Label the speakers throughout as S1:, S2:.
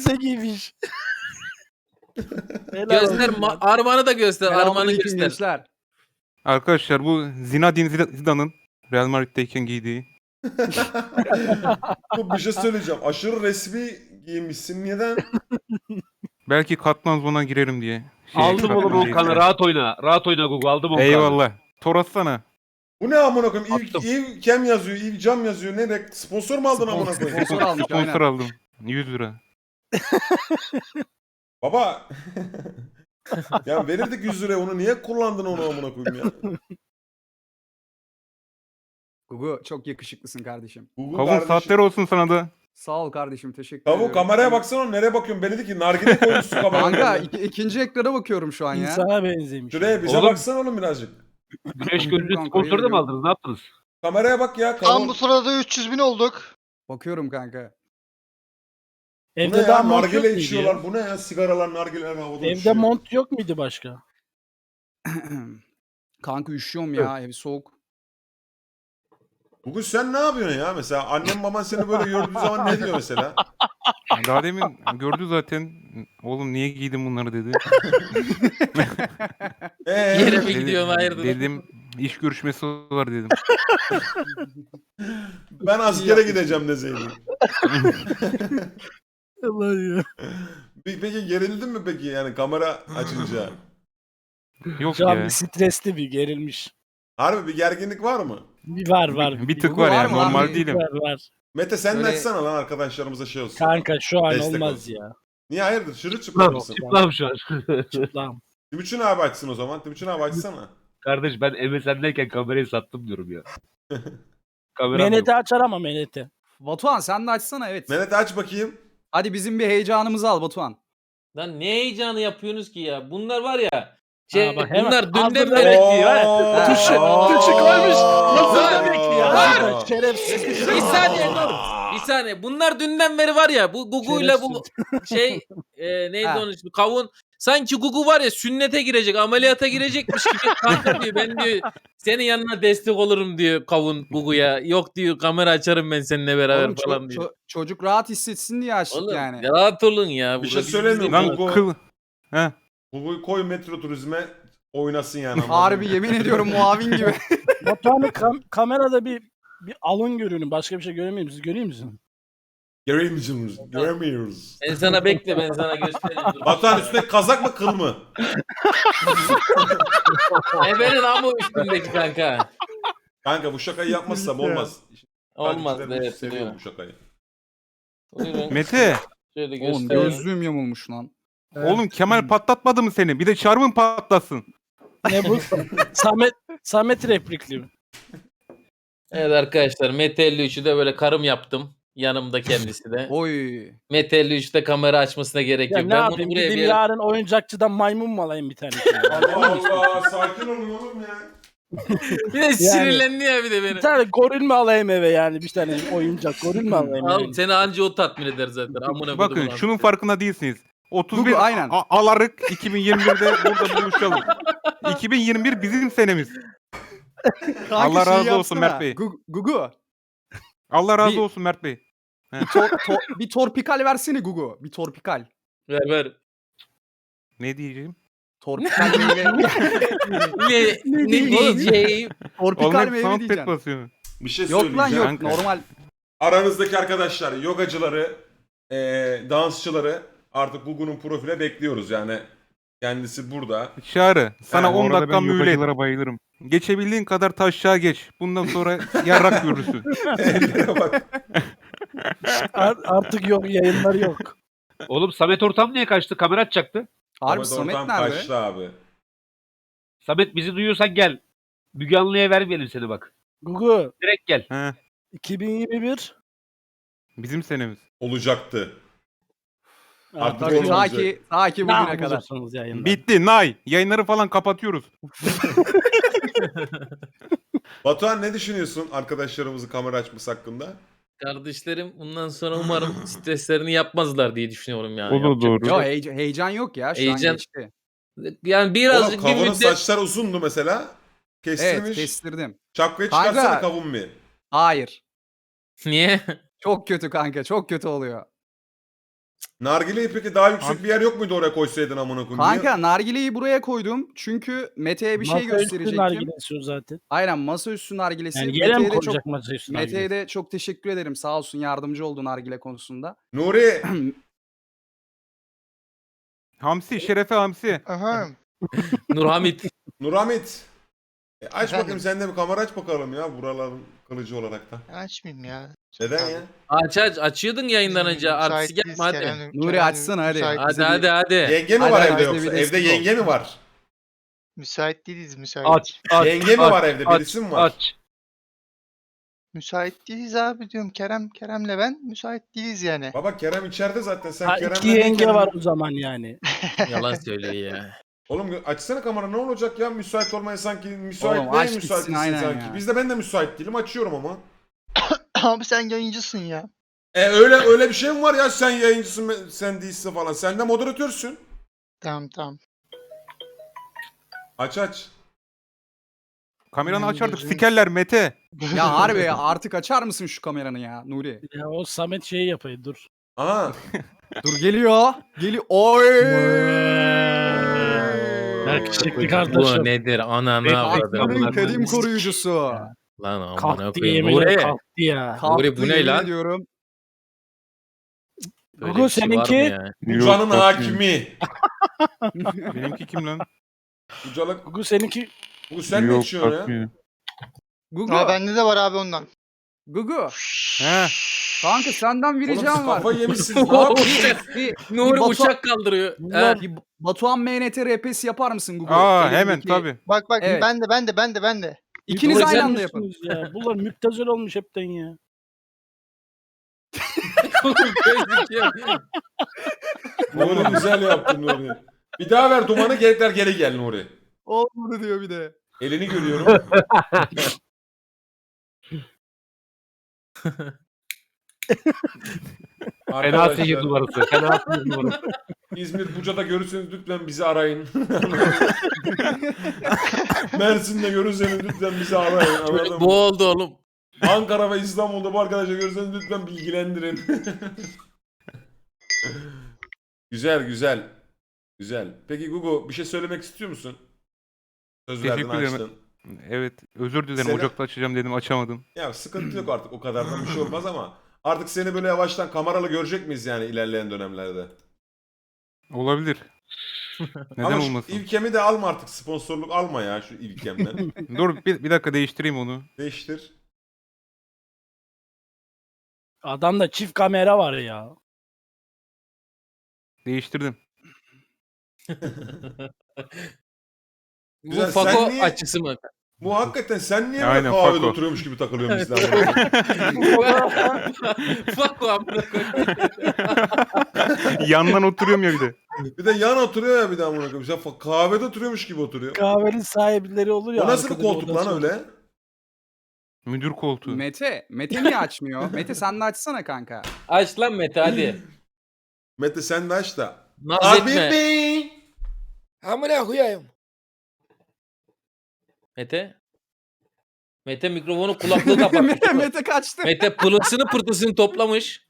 S1: elbise giymiş. Helal
S2: Göster
S1: olsun lan.
S2: armanı da göster. Armanı
S3: Selamünaleyküm
S2: göster.
S3: gençler.
S4: Arkadaşlar bu Zinedine Zidane'ın Real Madrid'deyken giydiği.
S5: Bu bir şey söyleyeceğim. Aşırı resmi giyinmişsin. Neden?
S4: Belki katman zona girerim diye.
S6: Aldım oğlum
S4: katman
S6: 10 kanı,
S4: değil.
S6: rahat oyna. Rahat oyna Google, aldım 10 kanı.
S4: Eyvallah. Tor atsana.
S5: Bu ne amına koyayım?
S6: Attım.
S5: İv Kem yazıyor, İv Cam yazıyor. Ne? Sponsor mu aldın amına koyayım?
S3: Sponsor almış
S4: Sponsor
S3: aynen.
S4: aldım. 100 lira.
S5: Baba. Ya verirdik 100 liraya, onu niye kullandın onu amına koyayım ya?
S3: Gugu çok yakışıklısın kardeşim.
S5: Google
S4: Kavun
S5: kardeşim.
S4: saatler olsun sana da.
S3: Sağ ol kardeşim, teşekkür
S5: Kavun
S3: ediyorum.
S5: kameraya baksana, nereye bakıyorsun? Beni dedi ki nargile koymuşsun
S3: Kanka
S5: kameraya.
S3: ikinci ekrana bakıyorum şu an ya.
S1: İnsana benzemiş.
S5: Şuraya bize
S6: Oğlum.
S5: baksana oğlum birazcık.
S6: Güneş gözlüğü
S3: Kanka,
S6: sponsoru da
S3: yemin
S6: mı aldınız? Ne yaptınız?
S5: Kameraya bak ya
S7: Tam
S5: Kavun.
S7: bu sırada 300 bin olduk.
S3: Bakıyorum kanka.
S5: Bu ne
S1: Evde
S5: ya?
S1: daha mont yok
S5: Nargile
S1: muydu
S5: içiyorlar.
S1: ya?
S5: Bu ne ya? Sigaralar, nargileler havada
S1: Evde
S5: uçuyor.
S1: mont yok muydu başka?
S3: Kanka üşüyorum ya, ev soğuk.
S5: Bugün sen ne yapıyorsun ya? Mesela annem baban seni böyle gördüğü zaman ne diyor mesela?
S4: Daha demin gördü zaten. Oğlum niye giydin bunları dedi.
S2: Yere mi
S4: Dedi-
S2: gidiyorsun hayırdır?
S4: Dedim iş görüşmesi var dedim.
S5: Ben askere gideceğim deseydim.
S1: Allah ya.
S5: Peki gerildin mi peki yani kamera açınca?
S4: Yok
S1: Şu an
S4: ya.
S1: bir stresli, bir gerilmiş.
S5: Harbi bir gerginlik var mı?
S1: Bir var.
S4: Bir tık
S3: Gugu
S4: var
S3: var
S4: yani
S3: mı
S4: normal
S3: abi?
S4: değilim.
S1: Var.
S5: Mete sen de
S3: Böyle-
S5: açsana lan arkadaşlarımıza şey olsun.
S1: Kanka şu an
S5: Destek
S1: olmaz
S5: olsun.
S1: ya.
S5: Niye hayırdır? Çırılçıplak mısın?
S6: Çıplam şu an.
S1: Çıplam.
S5: Timuçin abi açsın o zaman. Timuçin abi açsana.
S6: Kardeş ben MSN'deyken kamerayı sattım diyorum ya. Kameram
S1: Menete
S6: yok.
S1: açar ama Menete.
S3: Batuhan sen de açsana, evet.
S5: Mehmet aç bakayım.
S3: Hadi bizim bir heyecanımızı al Batuhan.
S2: Lan ne heyecanı yapıyorsunuz ki ya? Bunlar var ya.
S1: Ha, bak hemen
S2: Bunlar dünden
S1: hazırda
S2: beri
S1: bekliyor.
S5: Oo.
S1: Tuşu koymuş. Hazırda
S2: Aa.
S1: bekliyor.
S2: Aa.
S1: Şerefsiz.
S2: Bir saniye dur. Bir saniye. Bunlar dünden beri var ya. Bu Gugu'yla bu şey neydi
S3: Ha.
S2: onun ismi? Kavun. Sanki Gugu var ya sünnete girecek, ameliyata girecekmiş gibi kanka diyor. Ben diyor senin yanına destek olurum diyor Kavun Gugu'ya. Yok diyor kamera açarım ben seninle beraber
S3: Oğlum,
S2: falan diyor.
S3: çocuk rahat hissetsin diye açtık
S2: Oğlum
S3: yani.
S2: rahat olun ya.
S5: Bir şey
S2: Burada
S5: söyleyeyim mi?
S2: biz-
S4: Lan
S5: Gugu-
S4: kıl. Heh.
S5: Google'u koy metro turizme oynasın yani. anladın
S3: Harbi
S5: mı?
S3: yemin ediyorum muavin gibi.
S1: Batuhan'ın kamerada bir alın görünün. Başka bir şey göremiyor musunuz? Görüyor musun?
S5: Göremiyoruz. Göremiyoruz.
S2: Ben sana bekle ben sana göstereyim. Dur.
S5: Batuhan üstüne kazak mı kıl mı?
S2: Ebenin amı üstündeki kanka.
S5: Kanka bu şakayı yapmazsam olmaz.
S2: Olmaz
S5: Takipçilerim
S2: evet.
S5: seviyor
S2: Buyurun.
S5: bu şakayı.
S2: Buyurun.
S4: Mete.
S2: Şöyle
S3: Oğlum
S2: göstereyim.
S3: gözlüğüm yamulmuş lan.
S4: Oğlum Kemal patlatmadı mı seni? Bir de çarmın patlasın.
S1: Ne bu? Samet replikli mi?
S2: Evet arkadaşlar Mete 53'ü de böyle karım yaptım. Yanımda kendisi de.
S3: Oy.
S2: Mete 53'te kamera açmasına gerek
S1: Ya
S2: yok.
S1: ne
S2: Ben bunu
S1: yapayım?
S2: buraya bir
S1: Gideyim
S2: yere...
S1: yarın oyuncakçıdan maymun mu alayım bir tane?
S5: Allah Allah sakin olun oğlum ya.
S2: Bir de sinirlendi ya bir de beni.
S1: Bir tane goril mi alayım eve yani? Bir tane oyuncak goril mi alayım?
S2: Oğlum
S1: Yani?
S2: seni anca o tatmin eder zaten. Amına
S4: Bakın
S2: kodumun
S4: şunun
S2: amca.
S4: farkında değilsiniz. 31
S3: Gugu, aynen.
S4: Alarık 2021'de burada buluşalım. 2021 bizim senemiz.
S3: Kanka
S4: Allah
S3: şeyi
S4: razı olsun
S3: yapsana.
S4: Mert Bey.
S3: Gugu.
S4: Allah razı
S3: Bir-
S4: olsun Mert Bey.
S3: Bir torpikal versene Gugu. Bir torpikal.
S2: Ver.
S4: Ne diyeceğim?
S3: Torpikal meyve.
S2: Ne diyeceğim?
S3: Torpikal
S4: Oğlum hep
S3: meyve
S4: soundpad
S3: diyeceksin.
S4: basıyor.
S5: Bir şey
S3: Yok lan
S5: söyleyeceğim.
S3: yok.
S4: Kanka.
S3: Normal.
S5: Aranızdaki arkadaşlar, yogacıları, dansçıları artık Google'un profile bekliyoruz yani. Kendisi burada.
S4: Çağrı sana
S5: Yani
S4: 10
S8: orada
S4: dakika
S8: ben
S4: mühlet.
S8: yogacılara bayılırım.
S4: Geçebildiğin kadar taşağa geç. Bundan sonra yarrak görürsün.
S5: Ellere bak.
S1: Artık yok, yayınları yok.
S6: Oğlum Samet Ortam niye kaçtı? Kamera açacaktı.
S3: Harbi
S5: Ahmet
S3: Samet
S5: Ortam
S3: nerede?
S5: kaçtı abi.
S6: Samet bizi duyuyorsan gel. Müge Anlı'ya vermeyelim seni bak.
S1: Gugu
S6: Direkt gel.
S4: He,
S1: 2021
S4: bizim senemiz.
S5: Olacaktı. Artık
S1: Artık
S5: olmaz.
S3: Ta ki
S1: ne
S3: bugüne kadar.
S1: yapacaksınız yayında?
S4: Bitti. Nay. Yayınları falan kapatıyoruz.
S5: Batuhan ne düşünüyorsun arkadaşlarımızı kamera açması hakkında?
S2: Kardeşlerim bundan sonra umarım streslerini yapmazlar diye düşünüyorum yani.
S8: O da
S2: Yapacak
S8: doğru.
S2: bir şey
S3: Yo
S2: yok.
S3: heyecan yok ya. Şu
S2: Heyecan-
S3: an geçti.
S2: Yani birazcık
S5: Oğlum
S2: bir
S5: kavunun
S2: müddet...
S5: saçlar uzundu mesela. Kestirmiş.
S3: Evet kestirdim.
S5: Şapkayı
S3: Kanka.
S5: çıkarsana kavun bir.
S3: Hayır.
S2: Niye?
S3: Çok kötü kanka. Çok kötü oluyor.
S5: Nargileyi peki daha yüksek bir yer yok muydu oraya koysaydın amına koyayım?
S3: Kanka nargileyi buraya koydum. Çünkü Mete'ye bir şey
S1: Masaüstü
S3: gösterecektim.
S1: nargilesi o zaten.
S3: Aynen masaüstü nargilesi.
S1: Yani yere mi
S3: Mete'ye de çok
S1: koyacak masaüstü nargilesi?
S3: Mete'ye de çok teşekkür ederim. Sağ olsun yardımcı oldu nargile konusunda.
S5: Nuri
S4: Hamsi, Şerefe Hamsi.
S7: Aha.
S2: Nurhamit.
S5: Nurhamit. Aç
S7: Efendim?
S5: bakayım sen de bir kamera aç bakalım ya buraların kılıcı olarak da.
S7: Açmayayım ya.
S5: Neden ya?
S2: Aç açıyordun yayından önce. Artistik yapma hadi.
S3: Nuri açsana hadi.
S2: Hadi.
S5: Yenge mi
S3: Hadi,
S5: var
S3: hadi,
S5: evde
S3: bir
S5: yoksa?
S3: destek
S5: Evde
S3: ol.
S5: yenge mi var?
S7: Müsait değiliz müsait.
S6: Aç.
S5: Yenge mi var evde? Birisi mi var?
S6: Aç.
S7: Müsait değiliz abi diyorum. Kerem'le ben müsait değiliz yani.
S5: Baba Kerem içeride zaten. Sen
S1: Ha,
S5: Kerem'le
S1: iki
S5: ne
S1: yenge
S5: kendin-
S1: var o zaman yani.
S2: Yalan söylüyor ya.
S5: Oğlum açsana kamera ne olacak ya? Müsait olmaya sanki müsait
S3: Oğlum,
S5: değil
S3: aç
S5: müsait
S3: gitsin,
S5: değilsin
S3: aynen
S5: sanki.
S3: ya.
S5: Ben de müsait değilim açıyorum ama.
S7: Abi sen yayıncısın ya.
S5: Öyle bir şey mi var ya sen yayıncısın sen değilsin falan. Sen de moderatörsün.
S7: Tamam.
S5: Aç.
S4: Kameranı
S7: Benim
S4: aç artık.
S7: gözüm-
S4: Sikerler Mete.
S3: Ya harbi ya, artık açar mısın şu kameranı ya Nuri?
S1: Ya o Samet şeyi yapayım dur.
S5: Aha.
S3: Dur geliyor. Oy.
S1: Yakışıklı
S2: Bu
S1: kardeşim.
S2: nedir? Ananı avradım.
S3: Aklının kadim koruyucusu.
S2: Lan amına
S1: Kalktı
S2: koyayım.
S1: yemin ederim
S2: Nuri.
S1: kalktı ya.
S3: Kalktı,
S2: bu ne
S3: yemin
S2: lan?
S3: ediyorum.
S2: Böyle
S1: Gugu,
S2: bir şey var mı
S1: seninki?
S2: ya?
S5: Ucanın hakimi.
S4: Benimki kim lan?
S5: Ucalık.
S1: Gugu seninki
S5: Bu sen ne içiyorsun ya?
S3: Gugu.
S7: Ha bende de var abi ondan.
S3: Gugu.
S4: He.
S3: Kanka senden bir
S5: Oğlum siz
S3: ricam var.
S5: kafayı yemişsiniz. Ne yapıyorsunuz?
S2: Nuri
S3: Batu-
S2: uçak kaldırıyor.
S1: Bunlar-
S2: Ha.
S3: Bir Batuhan MNT RP'si yapar mısın Gugu?
S4: Aa
S3: Elindeki-
S4: hemen tabii.
S7: Bak
S3: Evet.
S7: ben de.
S3: İkiniz
S1: Gugu,
S3: aynı
S1: sen
S3: anda yapın.
S1: misiniz ya? Bunlar müptezel olmuş hepten ya.
S5: Nuri güzel yaptın Nuri. Bir daha ver dumanı geri gel Nuri.
S3: Olmadı diyor bir de.
S5: Elini görüyorum.
S6: Fena
S5: Arkadaşlar,
S6: sihir numarası. Fena sihir numarası.
S5: İzmir Buca'da görürseniz lütfen bizi arayın. Mersin'de görürseniz lütfen bizi arayın. Anladın mı?
S2: Bu oldu oğlum.
S5: Ankara ve İstanbul'da bu arkadaşlar görürseniz lütfen bilgilendirin. Güzel. Peki Gugu bir şey söylemek istiyor musun? Söz verdin
S4: Teşekkür ederim.
S5: açtın.
S4: Evet özür dilerim.
S5: Seni-
S4: Ocakta açacağım dedim açamadım.
S5: Ya sıkıntı yok artık o kadardan bir şey olmaz ama artık seni böyle yavaştan kameralı görecek miyiz yani ilerleyen dönemlerde?
S4: Olabilir. Neden
S5: Ama şu
S4: olmasın?
S5: İlkem'i de alma artık sponsorluk alma ya şu İlkem'den.
S4: Dur bir dakika değiştireyim onu.
S5: Değiştir.
S1: Adamda çift kamera var ya.
S4: Değiştirdim.
S2: Bu
S5: Güzel,
S2: Fako
S5: sen niye-
S2: açısı mı?
S5: Bu hakikaten sen niye
S4: Aynen,
S5: böyle kahvede
S4: Fako.
S5: oturuyormuş gibi takılıyorsun bizden?
S2: Fako amına koyayım.
S4: Yandan oturuyorum ya bir de.
S5: Bir de yan oturuyor ya bir de amına koyayım. Sen kahvede oturuyormuş gibi oturuyor.
S1: Kahvenin sahipleri olur ya.
S5: O nasıl bir
S1: arkada
S5: koltuk lan
S1: odası olur.
S5: öyle?
S4: Müdür koltuğu.
S3: Mete niye açmıyor? Mete sen de açsana kanka.
S2: Aç lan Mete hadi.
S5: Mete sen de aç da.
S2: Naz
S5: Abi
S2: etme.
S5: bey.
S8: Amına koyayım.
S2: Mete mikrofonu kulaklığı kapatmış.
S3: Mete kaçtı.
S2: Mete pılısını pırtısını toplamış.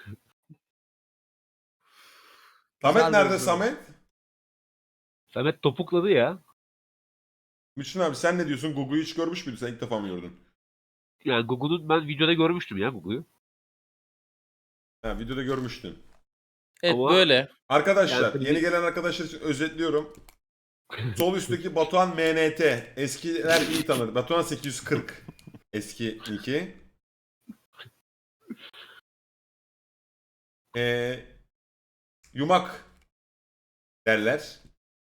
S5: Samet
S3: Güzel
S5: nerede
S3: bir
S5: Samet?
S6: Samet topukladı ya.
S5: Müslüm abi sen ne diyorsun? Gugu'yu hiç görmüş müydün? Sen ilk defa mı gördün?
S6: Yani Google'un ben videoda görmüştüm ya Google'u.
S5: Ha videoda görmüştün.
S2: Evet
S6: Ama-
S2: böyle.
S5: Arkadaşlar
S6: Yani-
S5: yeni gelen arkadaşlar için özetliyorum. Sol üstteki Batuhan MNT. Eskiler iyi tanır. Batuhan 840. Eski iki. Yumak derler.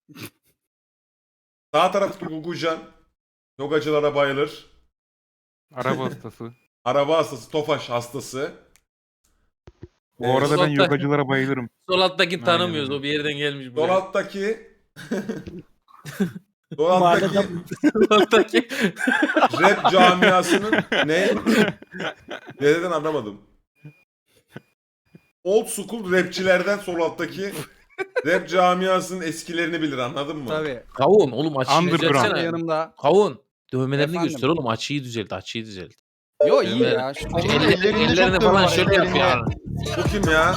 S5: Sağ taraftaki Gugucan. Yogacılara bayılır.
S4: Araba hastası.
S5: Araba hastası, Tofaş hastası.
S4: Bu arada ben
S2: Uzakta-
S4: yogacılara bayılırım.
S2: Sol alttakini
S4: Aynen
S2: tanımıyoruz.
S4: öyle.
S2: O bir yerden gelmiş
S5: Sol
S2: buraya.
S5: alttaki Sol alttaki
S2: Sol alttaki.
S5: rap camiasının ne? Nereden anlamadım. Old school rapçilerden sol alttaki rap camiasının eskilerini bilir anladın mı?
S3: Tabii.
S2: Kavun oğlum açıyı
S4: Underground.
S2: düzeltsene.
S3: Yanımda.
S2: Kavun. Dövmelerini
S3: Efendim?
S2: göster oğlum. Açıyı düzelt.
S3: Yo iyi
S2: Evet.
S3: ya.
S7: Onun ellerinde
S2: Ellerini
S7: çok
S2: falan
S7: var,
S2: şöyle
S7: ellerinde.
S2: yapıyor.
S5: Bu kim ya?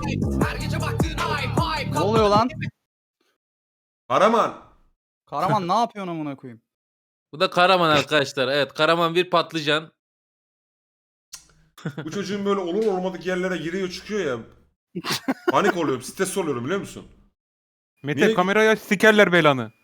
S3: Ne oluyor lan?
S5: Karaman.
S3: Karaman ne yapıyorsun amına koyayım?
S2: Bu da Karaman arkadaşlar. Evet, Karaman bir patlıcan.
S5: Bu çocuğun böyle olur olmadık yerlere giriyor çıkıyor ya. Panik oluyorum, stres oluyorum biliyor musun?
S4: Mete
S5: Niye-
S4: kamerayı aç sikerler belanı.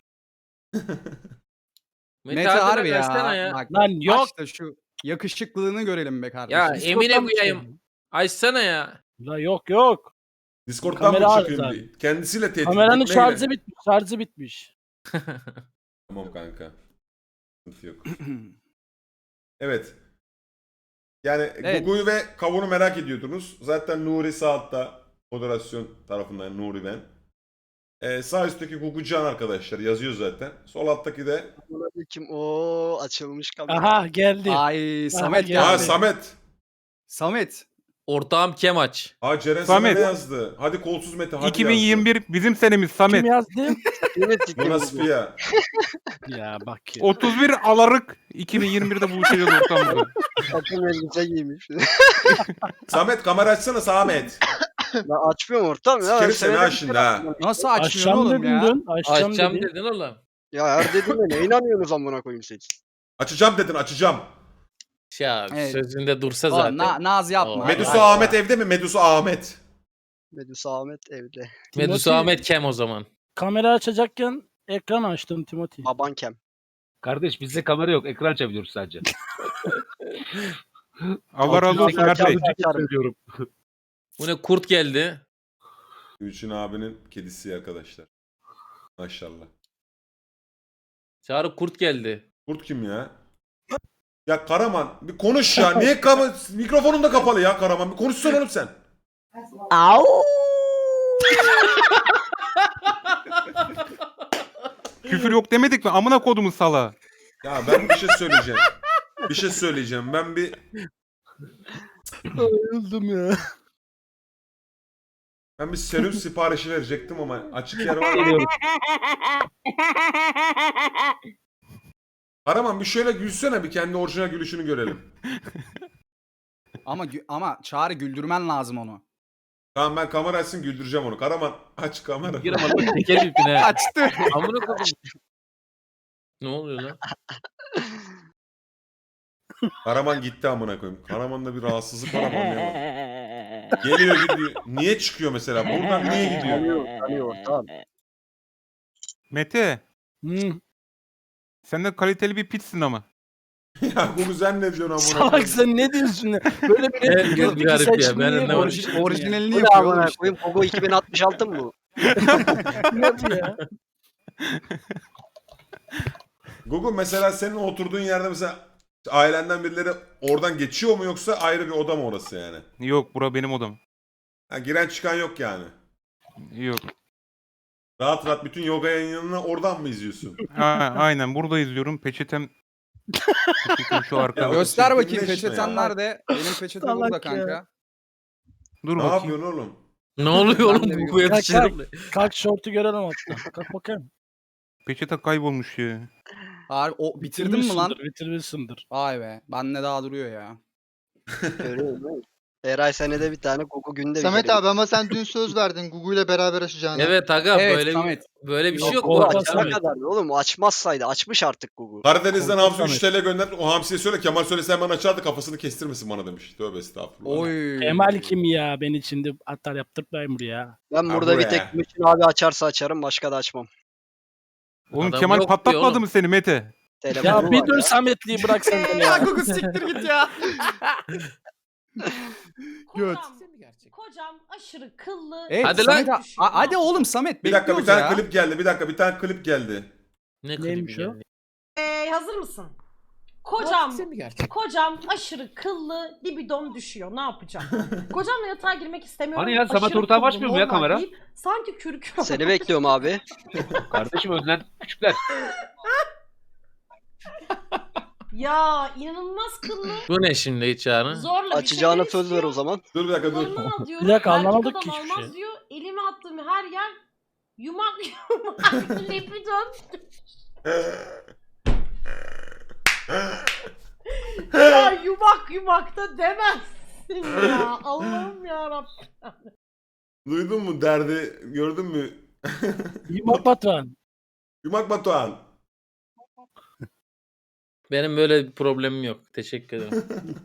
S3: Mete
S2: harbiden
S3: harbi
S2: versene
S3: ya. Bak,
S1: Lan yok.
S3: aç da şu yakışıklılığını görelim be kardeşim.
S2: Ya Emine
S1: Discord'dan mı
S2: koyayım.
S1: çıkardın?
S2: Açsana ya.
S1: La yok.
S5: Discord'dan mı
S1: Kamera
S5: çıkayım
S1: arıza.
S5: diye. Kendisiyle tehdit
S1: Kameranın
S5: etmeyle.
S1: şarjı bitmiş.
S5: Tamam kanka. Sıkıntı yok. Evet. Yani
S3: Evet.
S5: Gugu'yu ve Kavun'u merak ediyordunuz. Zaten Nuri sağ altta moderasyon tarafından Nuri ben. Sağ üstteki Gugu Can arkadaşlar yazıyor zaten. Sol alttaki de
S9: Kim? O açılmış kamera.
S1: Aha geldi.
S3: Ay Samet
S1: geldi.
S5: Aa
S3: geldi.
S5: Samet.
S3: Samet.
S2: Ortağım Kemaç.
S5: Aa Ceren
S4: Samet.
S5: sana ne yazdı? Hadi kolsuz Mete hadi
S4: 2021 bizim senemiz Samet.
S1: Kim yazdı?
S9: Evet,
S5: yazdı. Jonas Pia.
S1: Ya bak ya.
S4: 31 alarık 2021'de buluşacağız ortamda.
S9: takım elbise giymiş.
S5: Samet kamera açsana Samet.
S9: Ben açmıyorum ortam ya.
S5: Sikerim seni ha
S9: Seneler-
S5: şimdi ha.
S3: Nasıl açmıyorsun
S1: Açacağım
S3: oğlum
S1: dedin
S3: ya?
S1: dün. Açacağım
S2: Açacağım
S1: dedin.
S2: dedin oğlum.
S9: Ya her dediğime ne inanıyorsunuz amına koyayım siz?
S5: Açacağım dedin açacağım.
S2: Ya
S3: Evet.
S2: sözünde dursa
S3: Oğlum,
S2: zaten.
S3: naz yapma.
S2: Oo.
S5: Medusa Ahmet evde mi? Medusa Ahmet.
S9: Medusa Ahmet evde.
S2: Medusa
S1: Timothy-
S2: Ahmet Kem o zaman.
S1: Kamera açacakken ekran açtım Timothy.
S9: Baban kem.
S6: Kardeş bizde kamera yok. Ekran açabiliyoruz sadece.
S4: Allah razı olsun Mert Bey.
S6: Söylüyorum.
S2: Bu ne kurt geldi.
S5: Gülçin abinin kedisi arkadaşlar. Maşallah.
S2: Çağrı kurt geldi.
S5: Kurt kim ya? Ya Karaman bir konuş ya. Niye mikrofonun da kapalı ya Karaman. Bir konuşsana oğlum sen.
S4: Küfür yok demedik mi? Amına kodumun sala.
S5: Ya ben bir şey söyleyeceğim. Bir şey söyleyeceğim. Ben bir
S1: Öldüm ya.
S5: ben bir serum siparişi verecektim ama açık yer var mı? Karaman bir şöyle gülsene bir kendi orijinal gülüşünü görelim.
S3: Ama Çağrı güldürmen lazım onu.
S5: Tamam ben kamera açsın güldüreceğim onu. Karaman aç kamera.
S2: Giremedim tekerim ipine.
S3: Açtı.
S2: Amına koydum. Ne oluyor lan?
S5: Karaman gitti amına koyayım. Karaman'da bir rahatsızlık var ama anlayamadım. Geliyor gidiyor. Niye çıkıyor mesela? Buradan niye gidiyor?
S9: Tanıyor tamam.
S4: Mete
S1: Hı.
S4: sen de kaliteli bir pitsin ama.
S5: Ya bu sen ne diyorsun amına
S1: Salak
S5: koyayım?
S1: sen ne diyorsun ya? Böyle bir
S2: Evet, bir garip ya, ben anlamadım.
S3: Orijinalini
S9: Bu ne
S3: yapıyor
S9: amına
S3: oğlum işte.
S9: koyayım? Kogo 2066 mı bu?
S1: Ne ya?
S5: Google mesela senin oturduğun yerde mesela ailenden birileri oradan geçiyor mu yoksa ayrı bir oda mı orası yani?
S4: Yok bura benim odam.
S5: Ha, giren çıkan yok yani.
S4: Yok.
S5: Rahat rahat bütün yoga yayınlarını oradan mı izliyorsun?
S4: Ha, aynen burada izliyorum. Peçetem şu arkada.
S5: Ya,
S3: Göster bakayım
S5: çirkinleşme
S3: peçeten
S5: ya.
S3: nerede? Benim peçete
S1: Salak
S3: burada
S1: ya.
S3: kanka.
S4: Dur
S5: Ne
S4: bakayım.
S5: yapıyorsun oğlum?
S2: Ne oluyor
S3: Ben
S2: oğlum
S3: de bir-
S2: bu yakışıklı?
S1: Kalk şortu görelim hatta. Kalk bakayım.
S4: Peçete kaybolmuş ya.
S3: Harbi, o bitirdin mi lan?
S1: Bitirmişsindir.
S3: Vay be. Bende daha duruyor ya.
S9: Görüyor musun? Eray senede bir tane Kogo günde
S7: Samet
S9: bir kere.
S7: abi ama sen dün söz verdin Gugu ile beraber açacağını.
S2: Evet aga
S3: Evet
S2: böyle
S3: Samet.
S2: böyle bir şey yok.
S1: Yok,
S2: bu
S1: o
S2: açar.
S1: Samet.
S9: Ne kadar oğlum açmazsaydı açmış artık Kogo.
S5: Karadeniz'den
S1: Korkak
S5: Hamsi 3 TL gönderdi. O Hamsi'ye söyle Kemal söylese hemen açardı kafasını kestirmesin bana demiş. Tövbe estağfurullah.
S3: Oy.
S1: Kemal kim ya? Beni şimdi atar yaptırtmayın buraya.
S9: Ben
S5: Ha,
S9: burada bir
S5: buraya.
S9: tek Müslüm abi açarsa açarım başka da açmam.
S4: Oğlum
S2: Adam
S4: Kemal
S2: yok diyor
S4: patlatmadı
S2: oğlum.
S4: mı seni Mete?
S9: Telefonu
S1: Ya bir
S9: var
S1: dur
S9: ya.
S1: Sametliği bırak sen beni
S3: Ya
S1: ya.
S3: Gugu siktir git ya.
S1: Göt.
S10: Kocam aşırı kıllı.
S3: Evet,
S2: Hadi
S3: Samet,
S2: lan.
S3: hadi oğlum Samet
S5: Bir dakika bir
S3: bekliyoruz
S5: tane
S3: ya.
S5: klip geldi. Bir dakika bir tane klip geldi.
S2: Ne
S1: Neymiş
S2: klibi
S1: o?
S2: geldi?
S10: Hazır mısın? Kocam aşırı kıllı, libidom düşüyor. Ne yapacağım? Kocamla yatağa girmek istemiyorum.
S6: Hani ya, Samet
S10: aşırı
S6: ortağı
S10: kıllı,
S6: açmıyor mu ya
S10: normal
S6: kamera?
S10: değil. Sanki kürk.
S9: Seni bekliyorum abi.
S6: Kardeşim önden küçükler.
S10: Ya inanılmaz kıllı.
S2: Bu ne şimdi Çağrı?
S10: Zorla
S9: Açacağına
S10: bir şeyler
S9: söz ver o zaman.
S5: Dur bir dakika dur.
S10: Zorundan al diyorum.
S1: Bir dakika,
S10: Erkek
S1: anlamadık
S10: adam
S1: ki hiçbir
S10: almaz
S1: şey.
S10: diyor. Elime attığım her yer yumak yumak libidom. Ya yumak yumak da demezsin ya. Allah'ım yarabbim.
S5: Duydun mu derdi? Gördün mü?
S1: Yumak Batuhan.
S5: Yumak Batuhan.
S2: Benim böyle bir problemim yok. Teşekkür ederim.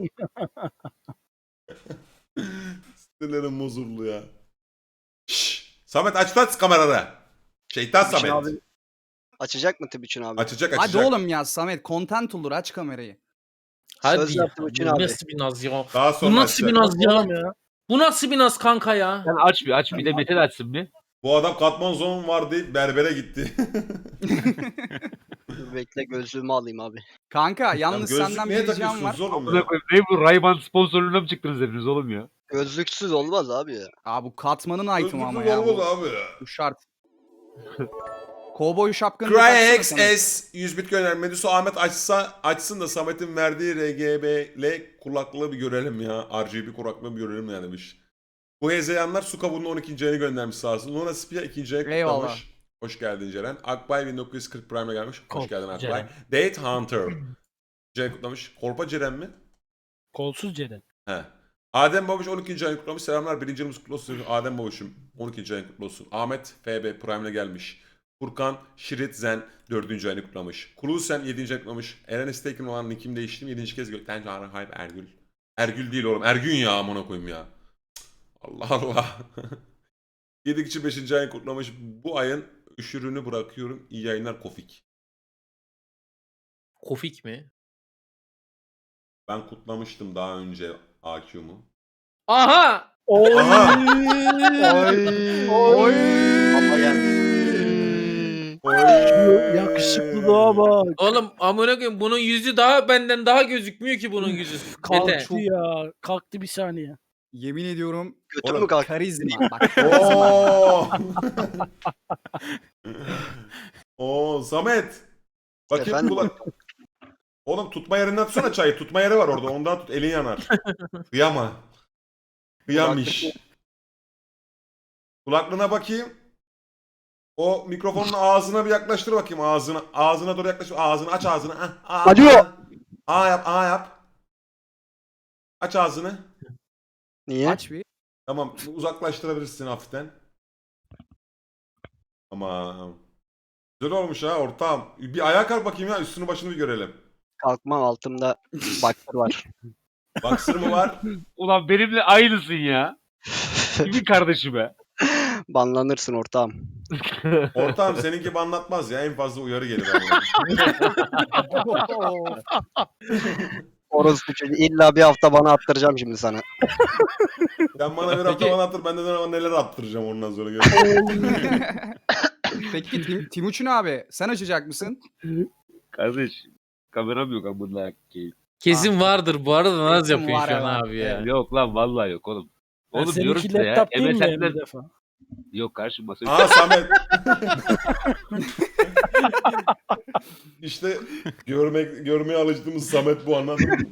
S5: Sinirlerim bozuldu ya. Şşş. Samet aç kameraları. Şeytan
S9: Timuçin
S5: Samet.
S9: abi açacak mı Timuçin abi?
S5: Açacak.
S3: Hadi oğlum ya Samet content olur aç kamerayı.
S2: Hadi
S9: Söz
S2: ya.
S9: yaptım Uçun
S2: Bu
S9: abi.
S2: nasıl bir naz ya?
S5: Daha sonra
S2: Bu nasıl bir
S5: açacak.
S2: naz ya?
S1: Oğlum ya.
S2: Bu nasıl bir naz kanka ya?
S6: Sen aç bir de Mete de açsın bir.
S5: Bu adam katman zon var deyip berbere gitti.
S9: Dur bekle gözlüğümü alayım abi.
S3: Kanka yalnız
S5: Gözlük
S3: senden
S5: niye
S3: bir ricam var.
S5: takıyorsunuz oğlum
S6: Buna
S5: ya?
S6: koyayım. Ne bu Ray-Ban sponsorluğuna mı çıktınız hepiniz oğlum ya?
S9: Gözlüksüz olmaz abi ya.
S3: Aa bu katmanın item'ı ama
S5: Gözlüksüz
S3: ya.
S5: olmaz
S3: Bu,
S5: abi ya.
S3: bu şart. Kovboy şapkanı da taksana Samet.
S5: CryXS 100 bit gönder. Medusa Ahmet açsın da Samet'in verdiği RGB'le kulaklığı bir görelim ya. RGB kulaklığı bir görelim ya demiş. Bu hezeyanlar su kabuğunun 12. ayını göndermiş sağ olsun. Luna Spia 2. ayı
S3: Eyvallah.
S5: kutlamış. Hoş geldin Ceren. Akbay 1940 Prime'e gelmiş. Hoş
S1: Kol,
S5: geldin Akbay.
S1: Ceren.
S5: Date Hunter. Ceren kutlamış. Korpa Ceren mi?
S1: Kolsuz Ceren.
S5: He. Adem Babuş 12. ayını kutlamış. Selamlar. 1. yılımız kutlu olsun. Adem Babuş'um 12. ayını kutlu olsun. Ahmet FB Prime'le gelmiş. Furkan Şirit Zen 4. ayını kutlamış. Kulusen 7. ayını kutlamış. Eren Estekin olan nickimi değiştim. 7. kez gökten çağrı hayır Ergül. Ergül değil oğlum. Ergün ya amına koyayım ya. Allah Allah. 7 kişi 5. ayını kutlamış. Bu ayın üşürünü bırakıyorum. İyi yayınlar Kofik.
S2: Kofik mi?
S5: Ben kutlamıştım daha önce AQ'mu.
S2: Aha!
S1: Oy.
S5: Aha!
S3: Oy.
S9: Ama yani
S1: Yakışıklılığa bak.
S2: Oğlum amına koyayım bunun yüzü daha benden daha gözükmüyor ki bunun yüzü. Mete.
S1: Kalktı ya. Kalktı bir saniye.
S3: Yemin ediyorum
S9: götür
S5: Oğlum,
S9: mü kalk?
S3: karizma. Bak karizma.
S5: Oo! Oo Samet. Bakayım
S9: Efendim?
S5: kulak. Oğlum tutma yerinden tutsana çayı. Tutma yeri var orada. Ondan tut. Elin yanar. Kıyama. Kıyamış. Kulaklığına bakayım. O mikrofonun ağzına bir yaklaştır bakayım ağzına. Ağzına doğru yaklaştır. Ağzını aç ağzını.
S9: Acıyor.
S5: Yap. Yap. Aç ağzını.
S9: Niye?
S3: Aç bir.
S5: Tamam. Uzaklaştırabilirsin hafiften. Tamam. Güzel olmuş ha ortağım. Bir ayağa kalk bakayım ya. Üstünü başını bir görelim.
S9: Kalkmam altımda baktır var.
S5: Baksır mı var?
S6: Ulan benimle aynısın ya. Kimin kardeşi be?
S9: Banlanırsın ortağım.
S5: Ortağım seninki gibi anlatmaz ya. En fazla uyarı gelir.
S9: Orospu çocuğu illa bir hafta bana attıracağım şimdi sana.
S5: Sen bana bir hafta bana attır. Ben de sana neler attıracağım ondan sonra.
S3: Peki Timuçin abi sen açacak mısın?
S6: Kardeş kameram yok amına koyayım.
S2: Kesin vardır bu arada naz
S3: Kesin
S2: yapıyor
S3: var
S2: şu an
S3: ya.
S2: abi ya.
S6: Yok lan vallahi yok oğlum. Oğlum diyorum
S1: Seninki
S6: size ya.
S1: laptop değil mi
S6: MSN'den
S1: bir defa?
S6: yok karşı masa.
S5: Aa Samet. İşte görmeye alıştığımız Samet bu, anladın mı?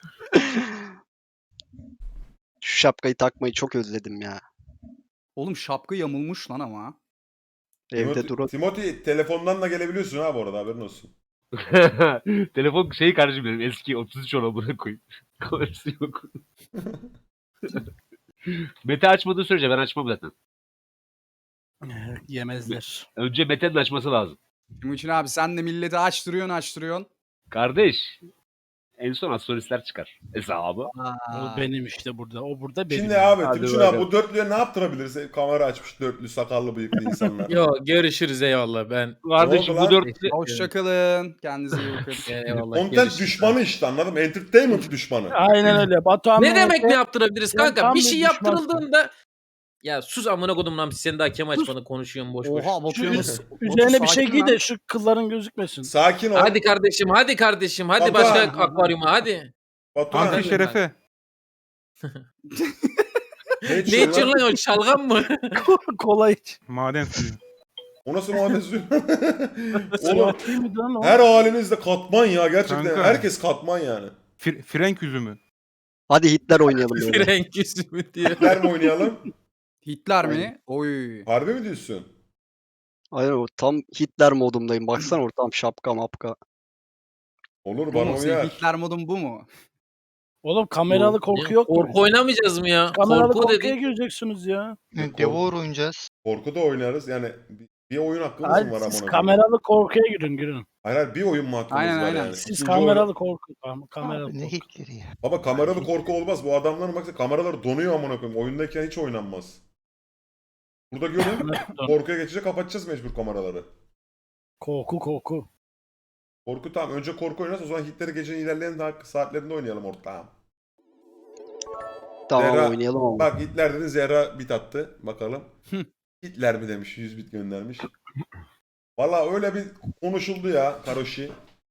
S9: Şu şapkayı takmayı çok özledim ya.
S3: Oğlum şapka yamulmuş lan ama.
S9: Evde durun.
S5: Timothy telefondan da gelebiliyorsun ha bu arada, haberin olsun.
S6: Telefon şeyi kardeşim benim eski 33 ona buna koyayım. Kamerası yok. Mete açmadığı sürece ben açmam zaten.
S1: Yemezler.
S6: Önce Mete'nin açması lazım.
S3: Timuçin abi sen de milleti açtırıyorsun.
S6: Kardeş. En son astrolistler çıkar hesabı.
S1: O benim işte burada. O burada benim.
S5: Şimdi abi
S6: Hadi
S5: Timuçin abi
S6: bakalım.
S5: bu dörtlüye ne yaptırabiliriz? Kamera açmış dörtlü sakallı bıyıklı insanlar.
S2: Yo görüşürüz eyvallah ben.
S6: Kardeşim
S5: oldu
S6: bu
S5: lan?
S6: dörtlü
S3: Hoşçakalın. Kendinize iyi bakın.
S2: Eyvallah.
S5: Content
S2: görüşürüz.
S5: düşmanı işte, anladın mı? Entertainment düşmanı.
S1: Aynen öyle. Batuhan
S2: Ne demek
S1: Mehmet'e-
S2: ne yaptırabiliriz
S1: Sen
S2: kanka?
S1: tam
S2: Bir
S1: bir
S2: şey
S1: düşmansın.
S2: yaptırıldığında ya sus amına kodum lan sen daha kem açmanı konuşuyorsun boş boş.
S3: Oha
S1: Şu
S3: Batu'ya
S1: üzerine bir şey
S3: sakin
S1: giy
S3: lan.
S1: de şu kılların gözükmesin.
S5: Sakin ol.
S2: Hadi kardeşim hadi
S5: Baba.
S2: başka akvaryuma hadi.
S5: Batuhan.
S4: Anti şerefe.
S5: Ne
S2: Ne
S5: içiyorsun
S2: içiyorsun
S5: lan?
S2: lan o şalgam mı?
S1: Kola iç.
S4: Maden suyu.
S5: O nasıl maden suyu? Oğlum
S1: Sıvı değil mi lan o?
S5: her halinizde katman ya gerçekten.
S4: Kanka.
S5: Herkes katman yani.
S4: Frenk üzümü.
S9: Hadi Hitler oynayalım böyle.
S2: Frenk yüzümü diyor.
S5: Hitler mi oynayalım?
S3: Hitler mi? Oy.
S5: Harbi mi diyorsun?
S9: Aynen o tam Hitler modumdayım. Baksana ortam şapka mapka.
S5: Olur
S3: Bu
S5: bana
S3: mu? Senin
S5: uyar.
S3: Hitler modun bu mu?
S1: Oğlum kameralı korku yok mu?
S2: Korku oynamayacağız mı ya?
S1: Kameralı
S2: Korku
S1: korkuya
S2: dedik.
S1: gireceksiniz ya.
S7: Devour oynayacağız.
S5: Korku da oynarız. Yani bir oyun hakkımız
S1: Hayır,
S5: mı var
S1: siz
S5: amına koyayım?
S1: kameralı korkuya girin.
S5: Hayır hayır, bir oyun mu hakkımız
S3: Aynen,
S5: var
S3: aynen.
S5: yani?
S1: Siz
S5: İkinci
S1: kameralı korku. Kameralı
S7: Abi ne
S1: korku.
S7: Hitler'i ya.
S5: Baba kameralı korku olmaz. Bu adamların baksana kameraları donuyor amına koyayım. Oyundayken hiç oynanmaz. Burada görün. Korkuya geçince kapatacağız mecbur kameraları.
S1: Korku.
S5: Korku tamam. Önce korku oynarız. O zaman Hitler'i gecenin ilerleyen saatlerinde oynayalım ortağım.
S9: Tamam
S5: Zehra,
S9: oynayalım ama.
S5: Bak Hitler dedin, Zehra bit attı. Bakalım. Hitler mi demiş, 100 bit göndermiş. Valla öyle bir konuşuldu ya Karoşi.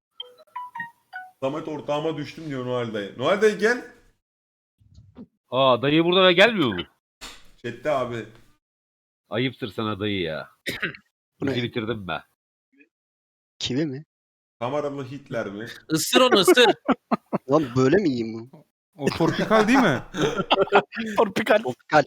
S5: Samet ortağıma düştüm diyor Noel dayı. Noel dayı gel.
S6: Aa dayı burada ve gelmiyor mu?
S5: Chat'te abi.
S6: Ayıptır sana dayı ya.
S9: Bu ne?
S6: Bizi bitirdim ben.
S9: Kivi mi?
S5: Kameralı Hitler mi?
S2: Isır onu ısır.
S9: Lan böyle mi yiyeyim bunu?
S4: O tropikal değil mi?
S1: Torpikal.
S9: Tropikal.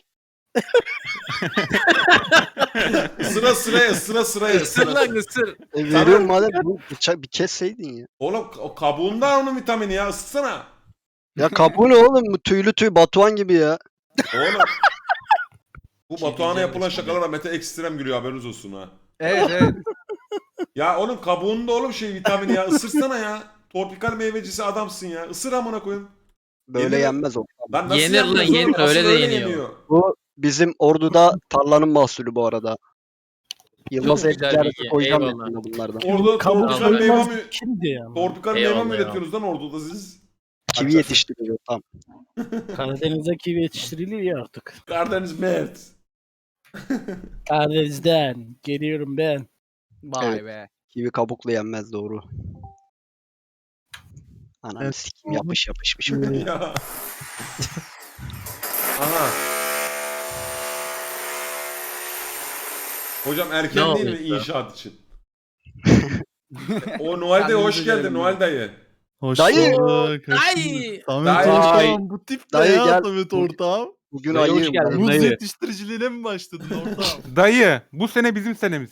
S5: Sıra sıraya.
S2: Isır lan ısır.
S9: Veriyorum madem bunu bir kesseydin ya.
S5: Oğlum o kabuğunda onun vitamini ya, ısıtsana.
S9: Ya kabuğu ne oğlum? Bu tüylü Batuhan gibi ya.
S5: Oğlum. Bu Batuhan'a yapılan şakalara Mete ekstrem gülüyor, haberiniz olsun ha.
S3: Evet.
S5: Ya oğlum kabuğunda oğlum şey vitamini ya, ısırsana ya. Tropikal meyvecisi adamsın ya. Isır amına koyayım.
S9: Böyle
S5: Yenir-
S9: yenmez o.
S5: Lan nasıl
S2: Yenir
S5: yenmez
S2: lan,
S5: oğlum?
S2: yenir,
S5: Asıl
S2: öyle de yeniyor.
S9: Bu bizim Ordu'da tarlanın mahsulü bu arada. Yılmaz
S2: Çok güzel
S9: Ticareti
S2: bilgi,
S9: koyacağım
S2: eyvallah.
S9: yakında bunlardan.
S5: Orada
S1: Kabuk
S5: tropikal meyve
S1: soymaz
S5: mi?
S1: kimdi ya?
S5: Tropikal meyve
S2: Eyvallah,
S5: mi
S2: eyvallah.
S5: üretiyorsunuz lan Ordu'da siz?
S9: Kivi
S5: Açarsın.
S9: yetiştiriyor tam.
S1: Karadeniz'de kivi yetiştiriliyor ya artık.
S5: Karadeniz Mert.
S1: Karadeniz'den geliyorum ben.
S3: Vay
S9: Evet.
S3: be.
S9: Kivi kabuklu yenmez doğru. Ananı sikim yapışmış.
S5: Ya. Aha. Hocam erken
S2: Ne
S5: değil mi
S2: oldu ya?
S5: inşaat için? O Noel dayı hoş
S3: Kendinize
S5: geldin
S3: gelin
S5: Noel dayı.
S11: Hoş
S9: Dayı!
S11: bulduk.
S2: Ay.
S11: Samet
S5: Dayı!
S11: ortağım bu tip ne
S9: Dayı
S11: ya
S9: gel.
S11: Samet ortağım?
S9: Bugün
S6: Dayı hoş
S9: ayıyım
S6: geldin.
S9: ben.
S11: Muz
S6: Dayı.
S11: yetiştiriciliğine mi başladın ortağım?
S4: Dayı bu sene bizim senemiz.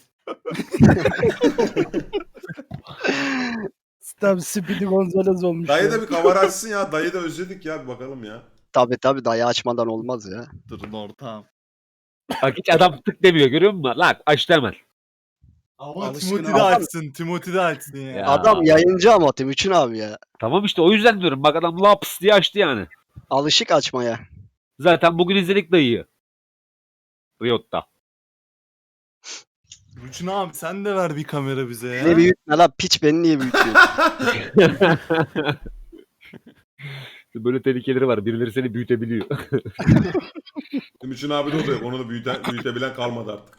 S1: Tam Speedy Gonzales olmuş.
S5: Dayı
S1: ya.
S5: da bir kamera açsın ya. Dayı da özledik ya, bir bakalım ya.
S9: Tabii dayı açmadan olmaz ya.
S11: Durun ortağım.
S6: Bak hiç adam tık demiyor görüyor musun? Lan açtı hemen.
S11: Ama
S3: Alışkın
S11: Timothy de
S3: adam.
S11: açsın. Timothy de açsın ya.
S6: Ya.
S9: Adam yayıncı ama Timuçin abi ya.
S6: Tamam işte o yüzden diyorum. Bak adam laps diye açtı yani.
S9: Alışık açmaya.
S6: Zaten bugün izledik dayıyı. Riot'ta.
S11: Ruçun abi sen de ver bir kamera bize ya.
S9: Ne büyütme lan piç beni niye büyütüyorsun?
S6: Böyle tehlikeleri var. Birileri seni büyütebiliyor.
S5: Timuçin abi de oluyor. Onu da büyütebilen kalmadı artık.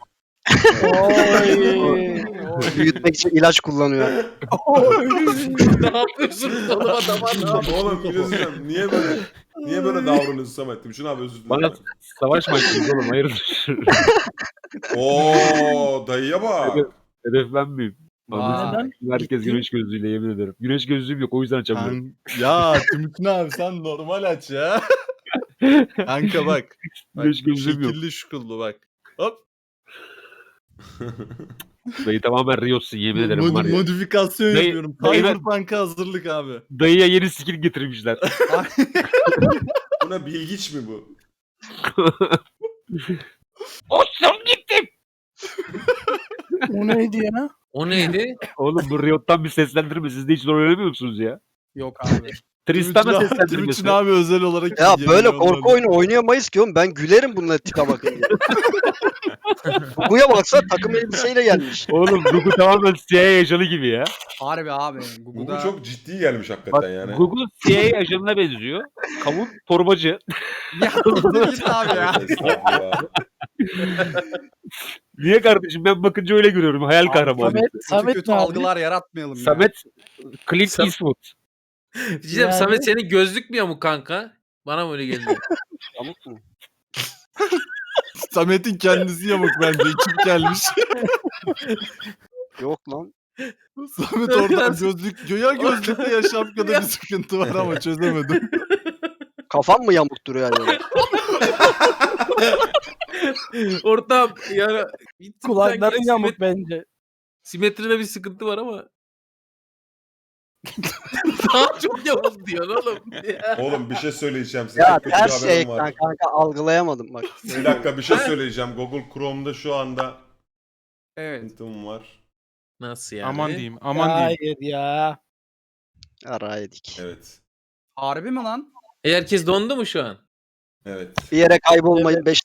S9: Büyütmek için ilaç kullanıyor.
S2: Ne yapıyorsunuz oğlum adama? Ne yapıyorsunuz?
S5: Oğlum bir şey söyleyeceğim. Niye böyle davranıyorsun Samet? Timuçin abi özür dilerim.
S6: Bana savaş maçıyız oğlum. Hayırdır?
S5: Oo dayıya bak.
S6: Hedef ben miyim?
S3: Vay.
S6: Herkes güneş gözlüğüyle yemin ederim. Güneş gözlüğüm yok o yüzden açamıyorum.
S11: Ya Timothy abi sen normal aç ya. Kanka bak.
S6: Güneş gözlüğüm yok.
S11: Şekilli şukullu bak. Hop.
S6: Dayı tamamen Riot'sun yemin ederim var ya.
S11: Modifikasyon
S6: Dayı-
S11: yapıyorum.
S6: dayı-
S11: Cyberpunk'a hazırlık abi.
S6: Dayıya yeni skin getirmişler.
S5: Buna bilgiç mi bu?
S6: Olsun gittim.
S1: O neydi ya?
S2: O neydi?
S6: Oğlum bu Riot'tan bir seslendirme. Siz de hiç rol oynamıyor musunuz ya?
S3: Yok abi.
S6: Tristan'a seslendirmesi.
S11: Timuçin abi özel olarak
S9: Ya
S11: ilgileniyor
S9: böyle
S11: onlarla.
S9: korku oyunu oynayamayız ki oğlum. Ben gülerim bununla tipe bakınca. Gugu'ya baksa takım elbiseyle gelmiş.
S6: Oğlum Gugu tamamen CIA ajanı gibi ya.
S3: Harbi abi.
S5: Bu
S3: Google'da
S5: çok ciddi gelmiş
S6: Bak
S5: hakikaten yani.
S6: Gugu CIA ajanına benziyor. Kavun torbacı.
S3: ya git abi ya.
S5: Estağfurullah.
S6: Niye kardeşim ben bakınca öyle görüyorum. Hayal kahramanı.
S1: Samet,
S3: Kötü
S1: Samet
S3: kötü
S1: ne abi?
S3: algılar yaratmayalım ya.
S6: Samet Clint
S2: Sam-
S6: Eastwood.
S2: Diyeceğim
S1: Yani-
S2: Samet senin gözlük mü yamuk kanka? Bana mı öyle geldi?
S9: Pamuk mu?
S11: Samet'in kendisi yamuk bence. Ekip gelmiş.
S9: Yok lan.
S11: Samet orada gözlük, ya gözlükte ya şapkada bir sıkıntı var ama çözemedim.
S9: Kafam mı yamuk duruyor yani?
S2: Ortam yani bir tık
S1: Kulakların
S2: sanki
S1: yamuk bence.
S2: simetride bir sıkıntı var ama Daha çok Yavuz diyorsun oğlum.
S5: Oğlum bir şey söyleyeceğim size.
S9: Ya
S5: Çok kötü bir
S9: ters
S5: haberim var.
S9: ekran kanka algılayamadım bak.
S5: Bir dakika bir şey söyleyeceğim. Google Chrome'da şu anda
S3: Evet.
S5: sıkıntım var.
S2: Nasıl yani?
S4: Aman diyeyim, aman diyeyim.
S1: Hayır ya.
S9: Ara yedik.
S5: Evet.
S3: Harbi mi lan?
S2: Herkes dondu mu şu an?
S5: Evet.
S9: Bir yere kaybolmayın 5